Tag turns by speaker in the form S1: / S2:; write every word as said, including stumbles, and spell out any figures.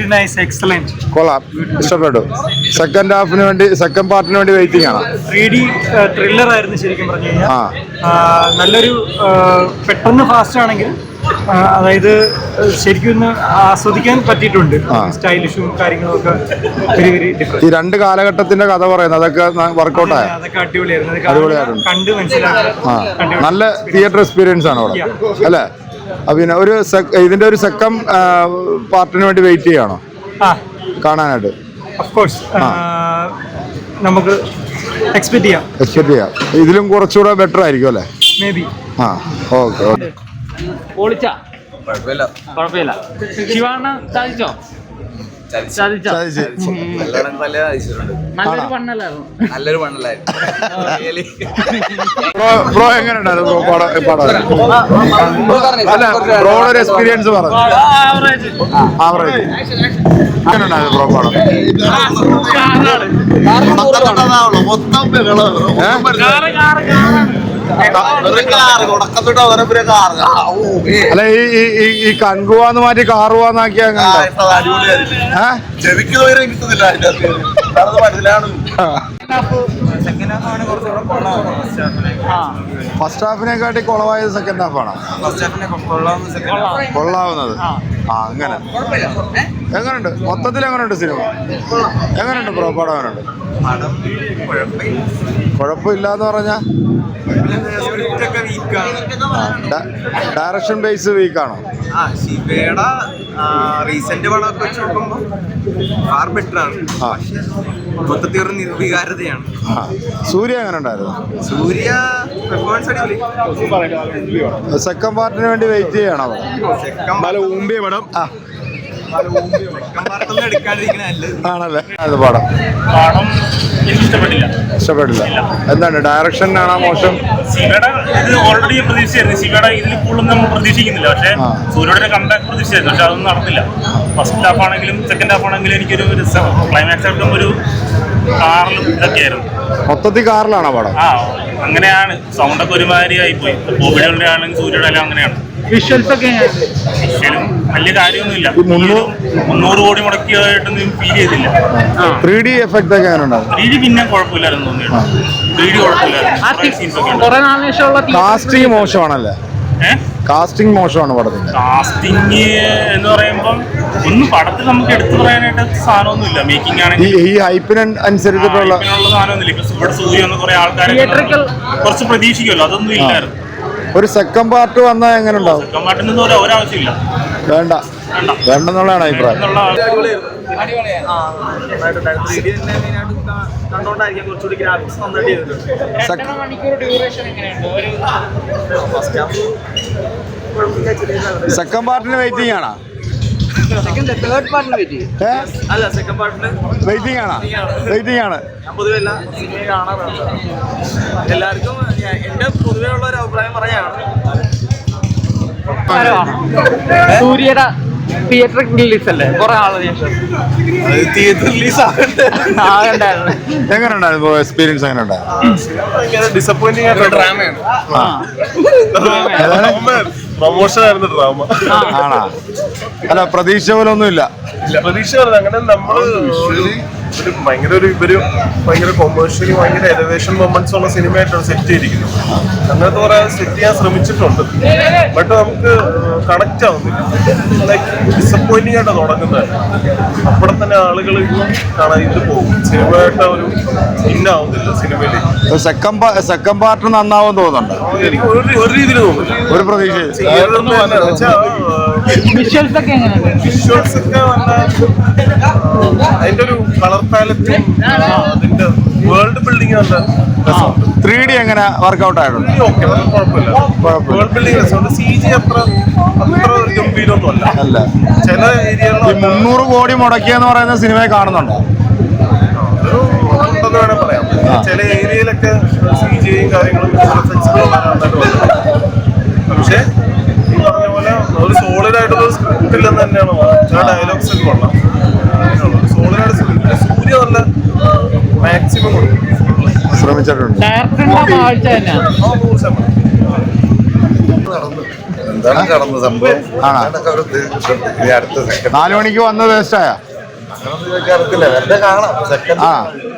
S1: Very nice, excellent.
S2: കൊള്ളാം, ഇഷ്ടപ്പെട്ടു. Second ഹാഫിന് വേണ്ടി, സെക്കൻഡ് പാർട്ടിന് വേണ്ടി വെയിറ്റിംഗ് ആണ്.
S1: ത്രീ ഡി ത്രില്ലർ ആയിരുന്നു ശരിക്കും പറഞ്ഞു കഴിഞ്ഞാൽ. നല്ലൊരു പെട്ടെന്ന് ഫാസ്റ്റ് ആണെങ്കിൽ അതായത് ശരിക്കും ഒന്ന് ആസ്വദിക്കാൻ പറ്റിയിട്ടുണ്ട്. സ്റ്റൈലിഷും കാര്യങ്ങളും ഒക്കെ വെരി വെരി ഡിഫറെന്റ്.
S2: ഈ രണ്ട് കാലഘട്ടത്തിന്റെ കഥ പറയുന്നത് അതൊക്കെ വർക്കൗട്ടായ,
S1: അതൊക്കെ അടിപൊളിയായിരുന്നു. കണ്ട് മനസ്സിലാക്കാൻ
S2: നല്ല തിയേറ്റർ എക്സ്പീരിയൻസ് ആണ് അവിടെ അല്ലേ? പിന്നെ ഒരു ഇതിന്റെ ഒരു സെക്കൻഡ് പാർട്ടിന് വേണ്ടി വെയിറ്റ് ചെയ്യാണോ കാണാനായിട്ട്?
S1: ഓഫ് കോഴ്സ് നമുക്ക് എക്സ്പെക്ട് ചെയ്യാം
S2: എക്സ്പെക്ട് ചെയ്യാം ഇതിലും കുറച്ചുകൂടെ ബെറ്റർ ആയിരിക്കും അല്ലേ?
S1: Maybe.
S2: ആ ഓക്കെ ഓക്കെ.
S3: പൊളിച്ച കുഴപ്പമില്ല കുഴപ്പമില്ല. ശിവാണ സാധിച്ചോ? നല്ലൊരു പണ്ണല്ലായിരുന്നു. നല്ലൊരു പണ്ണല്ലായിരുന്നു.
S2: ബ്രോ എങ്ങനെയുണ്ടായിരുന്നു അല്ല ബ്രോയുടെ എക്സ്പീരിയൻസ് പറഞ്ഞു. ആവറേജ് എങ്ങനെയുണ്ടായിരുന്നു ബ്രോ പടം? അല്ല ഈ ഈ കൺകുവാന്ന് മാറ്റി കാറുവാന്നാക്കി ഫസ്റ്റ് ഹാഫിനെക്കാട്ടി കുളവായത് സെക്കൻഡ് ഹാഫാണ്. കൊള്ളാവുന്നത് ആ അങ്ങനെ. എങ്ങനെയുണ്ട് മൊത്തത്തിൽ? എങ്ങനെയുണ്ട് സിനിമ? എങ്ങനെയുണ്ട് ബ്രോ പടം? എങ്ങനെയുണ്ട്? കുഴപ്പമില്ലാന്ന് പറഞ്ഞാ ഡയറക്ഷൻ ബേസ് വീക്കാണോ?
S4: ശിവയുടെ റീസെന്റ് പടമൊക്കെ വെച്ച് നോക്കുമ്പോൾ ഫാർ ബെറ്റർ ആണ്. മൊത്തത്തിൽ ഒരു നിർവികാരതയാണ്.
S2: സൂര്യ എങ്ങനെ ഉണ്ടായിരുന്നു?
S4: സൂര്യ പെർഫോമൻസ് അടിപൊളി.
S2: സെക്കൻഡ് പാർട്ടിന് വേണ്ടി വെയിറ്റ് ചെയ്യണോ?
S4: ഊമ്പിയ പടം
S2: ആണല്ലേ? അത് പടം
S5: പടം എനിക്ക് ഇഷ്ടപ്പെട്ടില്ല.
S2: ഇഷ്ടപ്പെട്ടില്ല. എന്താണ് ഡയറക്ഷൻ ആണോ മോശം?
S5: ശിവയുടെ ഇത് ഓൾറെഡി പ്രതീക്ഷിച്ചായിരുന്നു. ശിവയുടെ ഇതിൽ കൂടുതൽ നമ്മൾ പ്രതീക്ഷിക്കുന്നില്ല. പക്ഷേ സൂര്യയുടെ കമ്പാക്ക് പ്രതീക്ഷിച്ചായിരുന്നു. പക്ഷെ അതൊന്നും നടന്നില്ല. ഫസ്റ്റ് ഹാഫ് ആണെങ്കിലും സെക്കൻഡ് ഹാഫ് ആണെങ്കിലും എനിക്കൊരു ക്ലൈമാക്സ് ആയിട്ടും ഒരു കാറിലും ഇതൊക്കെയായിരുന്നു.
S2: മൊത്തത്തിൽ കാറിലാണോ പടം?
S5: ആ അങ്ങനെയാണ്. സൗണ്ടൊക്കെ ഒരുമാതിരി ആയിപ്പോയി. ബോബിയുടെ ആണെങ്കിൽ സൂര്യയുടെ എല്ലാം അങ്ങനെയാണ്.
S3: വിഷ്വൽസ് ഒക്കെ
S5: വിഷ്വലും വലിയ കാര്യമൊന്നുമില്ല. മുന്നൂറ് കോടി മുടക്കിയതായിട്ടൊന്നും ഫീൽ ചെയ്തില്ല.
S2: ത്രീ ഡി എഫക്ട് ഒക്കെ ഉണ്ടാവും.
S5: ത്രീ ഡി പിന്നെ കുഴപ്പമില്ലായിരുന്നു തോന്നിയിട്ട്. ത്രീ ഡി കുഴപ്പമില്ലായിരുന്നു.
S2: കാസ്റ്റിംഗ് മോശമാണല്ലേ? കാസ്റ്റിംഗ് മോശമാണ് പടത്തിന്റെ.
S5: കാസ്റ്റിംഗ് എന്ന് പറയുമ്പം ഒന്നും പടത്തിൽ നമുക്ക് എടുത്തു പറയാനായിട്ട് സാധനമൊന്നുമില്ല. മേക്കിംഗ് ആണെങ്കിൽ
S2: ഈ ഹൈപ്പിന് അനുസരിച്ചിട്ടുള്ള
S5: സാധനമൊന്നുമില്ല. ഇപ്പൊ ഇവിടെ സൂര്യ എന്ന് കുറെ ആൾക്കാരെ കുറച്ച് പ്രതീക്ഷിക്കുമല്ലോ, അതൊന്നും ഇല്ലായിരുന്നു.
S2: ഒരു സെക്കൻഡ് പാർട്ട് വന്നാൽ എങ്ങനെ ഉണ്ടാവും?
S5: സെക്കൻഡ് പാർട്ടിന് ഒരാവശ്യമില്ല.
S2: വേണ്ട വേണ്ടെന്നുള്ളതാണ് അഭിപ്രായം. സെക്കൻഡ് പാർട്ടിന് വെയിറ്റിംഗ് ആണോ? വെയിറ്റിംഗ് ആണ് വെയിറ്റിംഗ് ആണ്
S4: പൊതുവെ എല്ലാ സിനിമയും കാണാറുണ്ട്. എല്ലാവർക്കും എന്റെ പൊതുവെ ഉള്ള ഒരു അഭിപ്രായം പറയാണ്.
S3: സൂര്യയുടെ തിയേറ്റർ റിലീസ് അല്ലേ? കുറെ ആള്
S4: തിയേറ്റർ റിലീസ്
S3: ആകണ്ടായിരുന്നു.
S2: എങ്ങനെ ഉണ്ടായിരുന്നു എക്സ്പീരിയൻസ്? എങ്ങനെ ഉണ്ടായിരുന്നു?
S4: ഡിസപ്പോയിന്റിംഗ് ആയിട്ടുള്ള ഡ്രാമയാണ്. പ്രൊമോഷൻ ആയിരുന്നു ഡ്രാമ.
S2: ആണോ? അല്ല പ്രതീക്ഷ പോലെ ഒന്നുമില്ല.
S4: പ്രതീക്ഷ അങ്ങനെ നമ്മള് ഒരു ഭയങ്കര ഒരു ഇവര് ഭയങ്കര കൊമേഴ്ഷ്യലി ഭയങ്കര എലിവേഷൻ മൊമെന്റ്സ് ഉള്ള സിനിമയായിട്ടാണ് സെറ്റ് ചെയ്തിരിക്കുന്നത്. അങ്ങനത്തെ കുറെ സെറ്റ് ചെയ്യാൻ ശ്രമിച്ചിട്ടുണ്ട്. ബട്ട് നമുക്ക് കണക്ട് ആവുന്നില്ല. ലൈക്ക് ഡിസപ്പോയിന്റിംഗ് ആയിട്ട് തുടങ്ങുന്നത്. അപ്പോൾ തന്നെ ആളുകൾ കാണാൻ ഇത് പോകും. സിനിമയായിട്ട് ഒരു ഇന്നാവുന്നില്ല സിനിമയിൽ.
S2: സെക്കൻഡ് സെക്കൻഡ് പാർട്ട് നന്നാവും തോന്നുന്നുണ്ട്.
S4: എനിക്ക് ഒരു ഒരു രീതിയിൽ തോന്നുന്നില്ല.
S2: ഒരു പ്രതീക്ഷ.
S3: വിഷ്വൽസ് ഒക്കെ എങ്ങനെയുണ്ട്?
S4: വിഷ്വൽസ് ഒക്കെ നല്ല അതിന്റെ ഒരു കളർ പാലറ്റും അതിന്റെ വേൾഡ് ബിൽഡിംഗ് നല്ല രസമുണ്ട്.
S2: ത്രീ ഡി എങ്ങനെ വർക്ക്ഔട്ട് ആയിട്ടുണ്ട്?
S4: ഓക്കെ, കുഴപ്പമില്ല. വേൾഡ് ബിൽഡിംഗ് രസമുണ്ട്. സി ജി അത്ര അത്ര ഗംഭീരമൊന്നും അല്ല
S2: അല്ല
S4: ചില ഏരിയകളിൽ.
S2: മുന്നൂറ് കോടി മുടക്കിയെന്ന് പറയുന്ന സിനിമയെ കാണുന്നുണ്ടോ?
S4: ഒരു ഉണ്ടെന്ന് വേണം പറയാം. ചില ഏരിയയിലൊക്കെ സി ജിയും കാര്യങ്ങളും പക്ഷെ ഈ പറഞ്ഞ പോലെ ഒരു സോളിഡ് ആയിട്ടുള്ള സ്ക്രിപ്റ്റ് ഇല്ലെന്ന് തന്നെയാണ് ചില ഡയലോഗ്സ് ഒക്കെ കൊള്ളാം. സോളിഡ് ആയിട്ട് സ്ക്രിപ്റ്റ് സൂര്യ നല്ല മാക്സിമം കൊടുക്കും
S2: ശ്രമിച്ചിട്ടുണ്ട്.
S4: നടന്നു.
S6: അതാണ് കടന്ന സംഭവം.
S2: ആണോ?
S6: അതൊക്കെ അവർ ഉദ്ദേശിച്ചിട്ടുണ്ട്. ഇനി അടുത്ത സെക്കൻഡ്
S2: നാലു മണിക്ക് വന്ന് വേസ്റ്റായ
S6: അങ്ങനൊന്നും ചോദിക്കാൻ അറിയത്തില്ല. വെറുതെ കാണാം സെക്കൻഡ്
S2: ആ